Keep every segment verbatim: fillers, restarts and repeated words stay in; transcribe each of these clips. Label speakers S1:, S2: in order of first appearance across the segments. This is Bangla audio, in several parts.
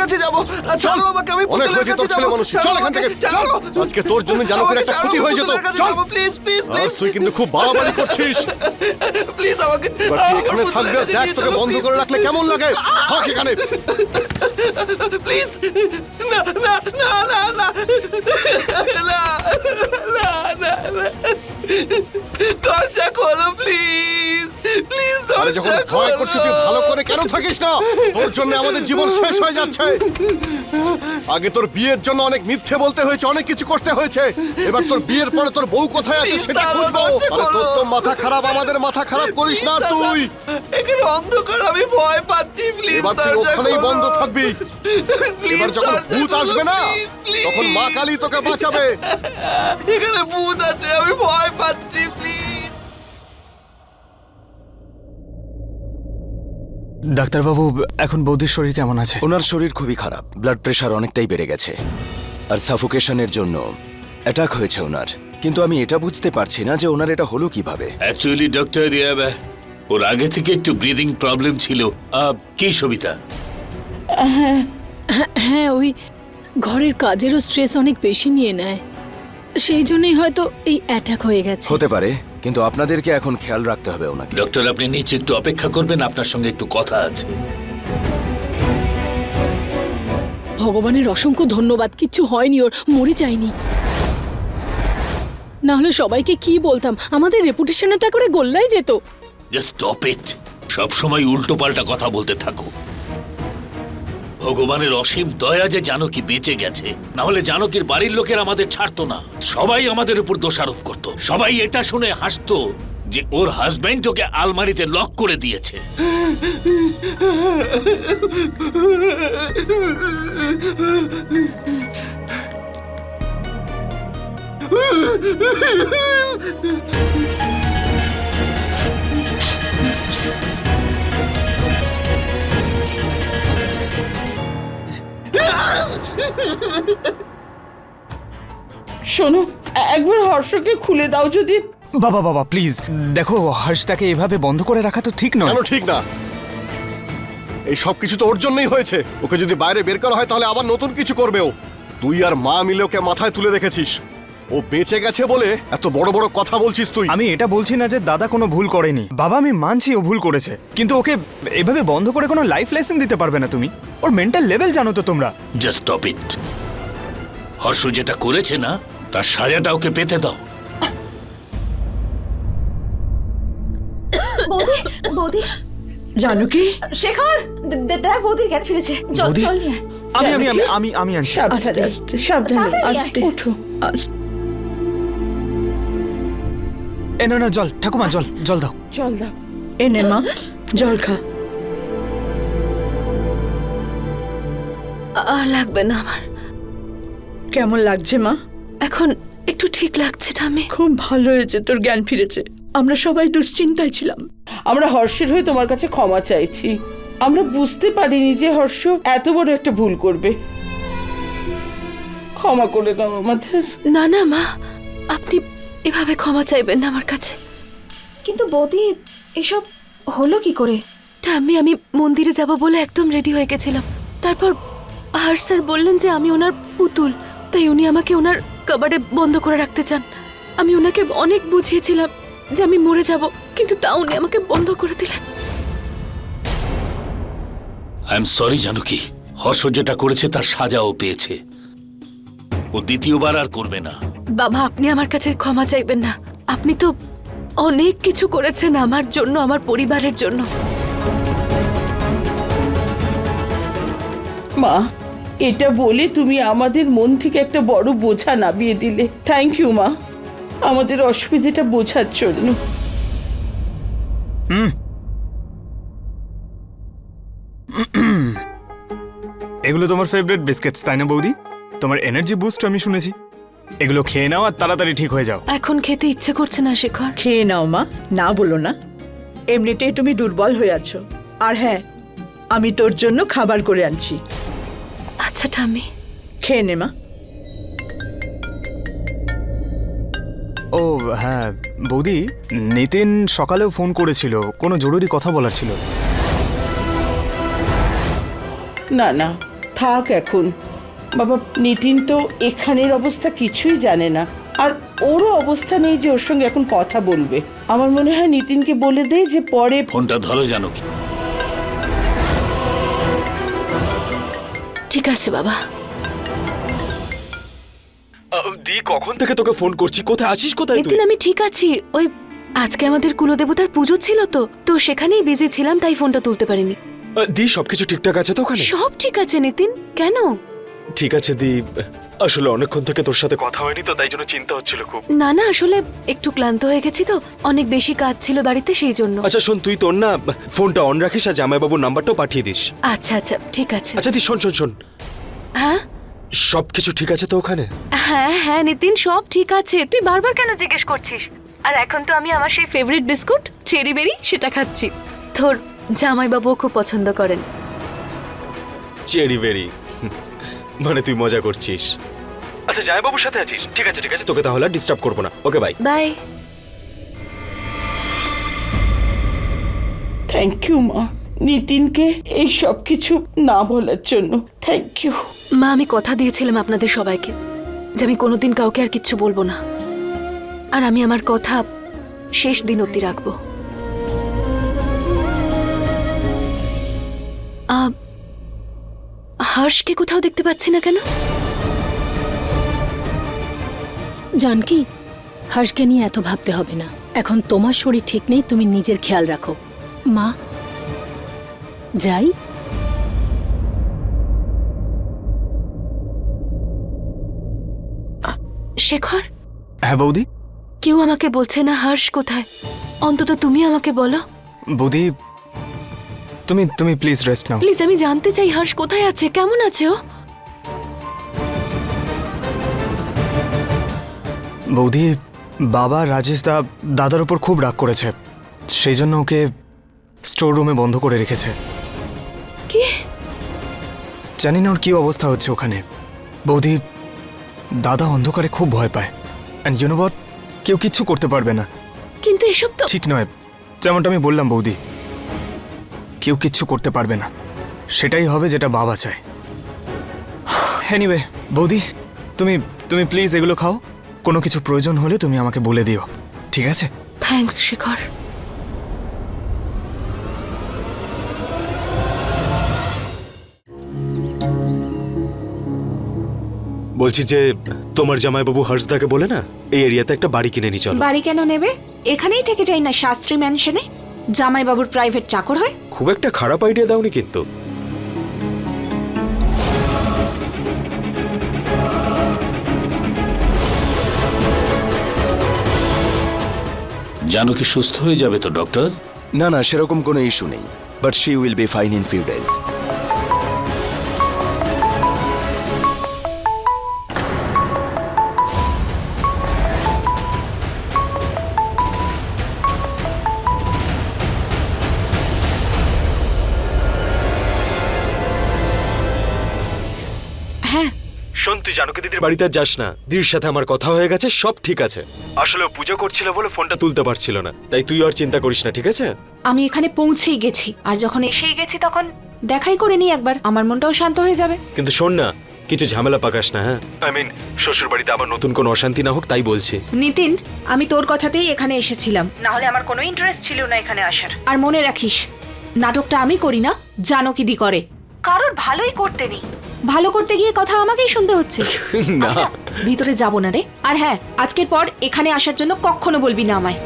S1: কাছে যাব। চলো আমাকে, আমি
S2: অনেক
S1: পুতুলের
S2: হয়েছে তোর
S1: কাছে
S2: ছেলে
S1: যাব।
S2: মানুষ, চল এখান থেকে, চল। আজকে তোর জন্য জানকের একটা ক্ষতি হয়ে যেত। চল
S1: প্লিজ প্লিজ
S2: আজ
S1: প্লিজ
S2: তুই কিন্তু খুব বাড়াবাড়ি করছিস।
S1: প্লিজ আমাকে
S2: এবার তুই এখানে থাকবে, দেখ তোকে বন্ধ করে রাখলে কেমন লাগে। থাক এখানে।
S1: প্লিজ না না না না না না না না না দরজা খোলো প্লিজ প্লিজ
S2: আরে যখন
S1: দরজা
S2: ভয়
S1: খোলো।
S2: করছিস তুই ভালো করে কেন থাকিস না? তোর জন্য আমাদের জীবন শেষ হয়ে যাচ্ছে। আগে তোর বিয়ের জন্য অনেক মিথ্যে বলতে হয়েছে, অনেক কিছু করতে হয়েছে। এবার তোর বিয়ের পরে তোর বউ কোথায় আছে
S1: Please,
S2: সেটা
S1: দাদা,
S2: খুঁজবো।
S1: দরজা
S2: আরে তোর
S1: খোলো।
S2: তো মাথা খারাপ, আমাদের মাথা খারাপ করিস না
S1: Please,
S2: তুই।
S1: দাদা, এখানে অন্ধকার, আমি ভয় পাচ্ছি প্লিজ
S2: এবার তুই ওখানেই বন্ধ থাকবি। এবার যখন ভূত আসবে না তখন মা কালী তোকে বাঁচাবে।
S1: এখানে ভূত আছে, আমি ভয় পাচ্ছি প্লিজ।
S3: ডাক্তারবাবু, এখন বৌদির শরীর কেমন আছে?
S4: ওনার শরীর খুবই খারাপ, ব্লাড প্রেশার অনেকটাই বেড়ে গেছে আর সাফোকেশনের জন্য অ্যাটাক হয়েছে ওনার। কিন্তু আমি এটা বুঝতে পারছি না যে ওনার এটা হলো কিভাবে।
S5: অ্যাকচুয়ালি ডক্টর ওর আগে থেকে একটু ব্রিদিং প্রবলেম ছিল। আহ, কি সবিতা?
S6: হ্যাঁ, ওই ঘরের কাজেরও স্ট্রেস অনেক বেশি নিয়ে নেয়, সেই জন্যই হয়তো এই অ্যাটাক হয়ে গেছে।
S4: হতে পারে, কিন্তু আপনাদেরকে এখন খেয়াল রাখতে হবে ওনাকে।
S5: ডক্টর আপনি নিচে একটু অপেক্ষা করবেন, আপনার সঙ্গে একটু কথা আছে।
S6: ভগবানের অসংখ্য ধন্যবাদ, কিচ্ছু হয়নি, ওর মরে যায়নি। না হলে সবাইকে কি বলতাম, আমাদের রেপুটেশনে তো করে গোল্লাই যেত।
S5: Just stop it. সব সময় উল্টো পাল্টা কথা বলতে থাকো। ভগবানের অসীম দয়া যে জানকী বেঁচে গেছে, না হলে জানকীর বাড়ির লোকের আমাদের ছাড়তো না। সবাই আমাদের উপর দোষারোপ করত। সবাই এটা শুনে হাসতো যে ওর হাজবেন্ড ওকে আলমারিতে লক করে দিয়েছে।
S7: শোনো, একবার হর্ষকে খুলে দাও যদি।
S3: বাবা বাবা প্লিজ দেখো, হর্ষটাকে এভাবে বন্ধ করে রাখা তো ঠিক নয়।
S2: কেন ঠিক না? এই সব কিছু তো ওর জন্যই হয়েছে। ওকে যদি বাইরে বের করা হয় তাহলে আবার নতুন কিছু করবে ও। তুই আর মা মিলে ওকে মাথায় তুলে রেখেছিস। ও বেঁচে গেছে বলে এত বড় বড় কথা বলছিস তুই।
S3: আমি এটা বলছি না যে দাদা কোনো ভুল করেনি। বাবা, আমি মানছি ও ভুল করেছে, কিন্তু ওকে এভাবে বন্ধ করে কোনো লাইফ লেসন দিতে পারবে না তুমি। ওর মেন্টাল লেভেল জানো তো তোমরা।
S5: জাস্ট স্টপ ইট। হর্ষ যেটা করেছে না, তার সাজাটা ওকে পেতে দাও।
S8: বৌদি, বৌদি,
S7: জানকী,
S8: শেখর, দে- দে- দেখ বৌদির জ্ঞান ফিরেছে। চল
S3: বৌদি?
S8: চল নিয়ে আয়।
S3: আমি আমি আমি আমি আমি আনছি।
S7: সাবধানে আস্তে, সাবধানে
S8: তাড়াতাড়ি
S7: আস্তে,
S8: আয়।
S7: ওঠো আস্তে।
S3: এ না না, জল ঠাকুমা, জল জল দাও।
S7: জল দাও। এনে মা, জল খা।
S8: আর লাগবে না আমার,
S7: কেমন লাগছে মা?
S8: এখন একটু ঠিক লাগছে ঠাম্মি।
S7: খুব ভালো হয়েছে তোর জ্ঞান ফিরেছে। আমরা সবাই দুশ্চিন্তায় ছিলাম। আমরা হর্ষের হয়ে তোমার কাছে ক্ষমা চাইছি। আমরা বুঝতে পারিনি যে হর্ষ এত বড় একটা ভুল করবে। ক্ষমা করে দাও আমাদের।
S8: না না মা, আপনি এভাবে ক্ষমা চাইবেন না আমার কাছে। কিন্তু বৌদি, এসব হলো কি করে? ঠাম্মি, আমি মন্দিরে যাব বলে একদম রেডি হয়ে গেছিলাম। তারপর আর স্যার বললেন যে আমি ওনার পুতুল, তাই উনি আমাকে ওনার কাবাডে বন্ধ করে রাখতে চান। আমি ওনাকে অনেক বুঝিয়েছিলাম যে আমি মরে যাব, কিন্তু তা উনি আমাকে বন্ধ করে দিলেন।
S5: I am sorry Janaki. Harsha যেটা করেছে তার সাজাও পেয়েছে। ও দ্বিতীয়বার আর করবে না।
S8: বাবা, আপনি আমার কাছে ক্ষমা চাইবেন না। আপনি তো অনেক কিছু করেছেন আমার জন্য, আমার পরিবারের জন্য।
S7: মা, এটা বলে তুমি আমাদের মন থেকে একটা বড় বোঝা নামিয়ে দিলে। থ্যাংক ইউ মা, আমাদের অসুবিধাটা বোঝার জন্য।
S3: হুম এগুলো তোমার ফেভারিট বিস্কিটস, তাই না বৌদি? তোমার এনার্জি বুস্ট আমি শুনেছি। এগুলো খেয়ে নাও আর তাড়াতাড়ি ঠিক হয়ে যাও।
S8: এখন খেতে ইচ্ছে করছে না শেখর।
S9: খেয়ে নাও মা, না বলো না। এমনিতেই তুমি দুর্বল হয়ে আছো। আর হ্যাঁ, আমি তোর জন্য খাবার করে আনছি।
S8: আচ্ছা ঠাম্মি।
S9: খেয়ে নে মা।
S3: ও হ্যাঁ বৌদি, নিতিন সকালেও ফোন করেছিল, কোনো জরুরি কথা বলার ছিল।
S7: না না, থাক এখন। বাবা, নিতিন তো এখানের অবস্থা কিছুই জানে না, আর ওরও অবস্থা নেই যে ওর সঙ্গে এখন কথা বলবে। আমার মনে হয় নিতিনকে বলে দেয় যে পরে।
S5: ফোনটা ধরো জানকী।
S8: ঠিক আছে বাবা।
S4: দি কখন থেকে তোকে ফোন করছি, কোথায় আছিস, কোথায়
S8: নিতিন আমি ঠিক আছি। ওই আজকে আমাদের কুলদেবতার পুজো ছিল তো তো সেখানেই বিজি ছিলাম, তাই ফোনটা তুলতে পারিনি।
S4: দি সবকিছু ঠিকঠাক আছে তো ওখানে?
S8: সব ঠিক আছে নিতিন, কেন?
S4: ঠিক আছে দি, আসলে অনেকক্ষণ থেকে তোর সাথে কথা হয়নি তো তাই জন্য চিন্তা হচ্ছিল খুব।
S8: না না, আসলে একটু ক্লান্ত হয়ে গেছি তো, অনেক বেশি কাজ ছিল বাড়িতে সেই জন্য।
S4: আচ্ছা শোন, তুই তোর না ফোনটা অন রাখিস আর জামাইবাবুর নাম্বারটাও পাঠিয়ে দিস।
S8: আচ্ছা আচ্ছা ঠিক আছে।
S4: আচ্ছা দি শোন শোন শোন,
S8: হ্যাঁ
S4: সবকিছু ঠিক আছে তো ওখানে?
S8: হ্যাঁ হ্যাঁ নিতিন, সব ঠিক আছে। তুই বারবার কেন জিজ্ঞেস করছিস? আর এখন তো আমি আমার সেই ফেভারিট বিস্কুট চেরি বেরি সেটা খাচ্ছি। তোর জামাইবাবুও খুব পছন্দ করেন।
S4: চেরি বেরি মানে তুই মজা করছিস? আচ্ছা জামাইবাবুর সাথে আছিস? ঠিক আছে ঠিক আছে, তোকে তাহলে ডিস্টার্ব করবো না। Okay bye
S8: bye.
S7: Thank you মা, নিতিনকে এই সব কিছু না বলার জন্য। থ্যাংক ইউ
S8: মা, আমি কথা দিয়েছিলাম আপনাদের সবাইকে যে আমি কোনোদিন কাউকে আর কিচ্ছু বলবো না, আর আমি আমার কথা শেষ দিন অবধি রাখবো। আহ, হর্ষকে কোথাও দেখতে পাচ্ছি না কেন?
S6: জানকি, হর্ষকে নিয়ে এত ভাবতে হবে না। এখন তোমার শরীর ঠিক নেই, তুমি নিজের খেয়াল রাখো। মা যাই।
S8: শেখর,
S3: হ্যাঁ বৌদি।
S8: কেউ আমাকে বলছে না হর্ষ কোথায়, অন্তত তুমি আমাকে বলো।
S3: বৌদি তুমি তুমি প্লিজ রেস্ট নাও।
S8: প্লিজ, আমি জানতে চাই হর্ষ কোথায় আছে, কেমন আছে ও?
S3: বৌদি, বাবা রাজেশ দা দাদার উপর খুব রাগ করেছে, সেই জন্য ওকে স্টোর রুমে বন্ধ করে রেখেছে।
S8: কি?
S3: জানি না ওর কি অবস্থা হচ্ছে ওখানে। বৌদি, দাদা অন্ধকারে খুব ভয় পায়, অ্যান্ড ইউ নো হোয়াট, কেউ কিচ্ছু করতে পারবে না।
S8: কিন্তু এসব তো
S3: ঠিক নয়, যেমনটা আমি বললাম বৌদি, কেউ কিচ্ছু করতে পারবে না, সেটাই হবে যেটা বাবা চায়। এনিওয়ে বৌদি, তুমি তুমি প্লিজ এগুলো খাও, কোনো কিছু প্রয়োজন হলে তুমি আমাকে বলে দিও, ঠিক আছে?
S8: থ্যাঙ্কস শেখর।
S4: বলছি যে তোমার জামাইবাবু হর্ষদাকে বলে না এই এরিয়াতে একটা বাড়ি কিনে নি চলো।
S10: বাড়ি কেন নেবে? এখানেই থেকে যাই না শাস্ত্রী ম্যানশনে, জামাইবাবুর প্রাইভেট চাকর হয়।
S4: খুব একটা খারাপ আইডিয়া দাওনি কিন্তু।
S5: জানকী সুস্থ হয়ে যাবে তো ডক্টর?
S4: না না, সেরকম কোনো ইস্যু নেই, but she will be fine in few days.
S10: হ্যাঁ
S4: শোন, তুই জানকী দিদির বাড়িতে আর যাস না, দিদির সাথে আমার কথা হয়ে গেছে, সব ঠিক আছে। আসলে ও পুজো করছিল বলে ফোনটা তুলতে পারছিল না, তাই তুই আর চিন্তা করিস না, ঠিক আছে?
S10: আমি এখানে পৌঁছেই গেছি, আর যখন এসেই গেছি তখন দেখাই করে নি একবার, আমার মনটাও শান্ত হয়ে যাবে।
S4: কিন্তু শোন না, কিছু ঝামেলা পাকাস না, হ্যাঁ? আই মিন শ্বশুর বাড়িতে আবার নতুন কোনো অশান্তি না হোক, তাই বলছি।
S10: নিতিন, আমি তোর কথাতেই এখানে এসেছিলাম, না হলে আমার কোনো ইন্টারেস্ট ছিল না এখানে আসার। আর মনে রাখিস, নাটকটা আমি করি না, জানকী দি করে। কারোর ভালোই করতে নেই, ভালো করতে গিয়ে কথা আমাকেই শুনতে হচ্ছে।
S4: না,
S10: ভিতরে যাব না রে। আর হ্যাঁ, আজকের পর এখানে আসার জন্য কখনো বলবি না আমায়।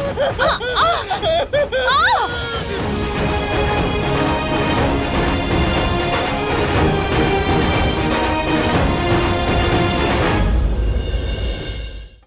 S8: আ, আ, আ,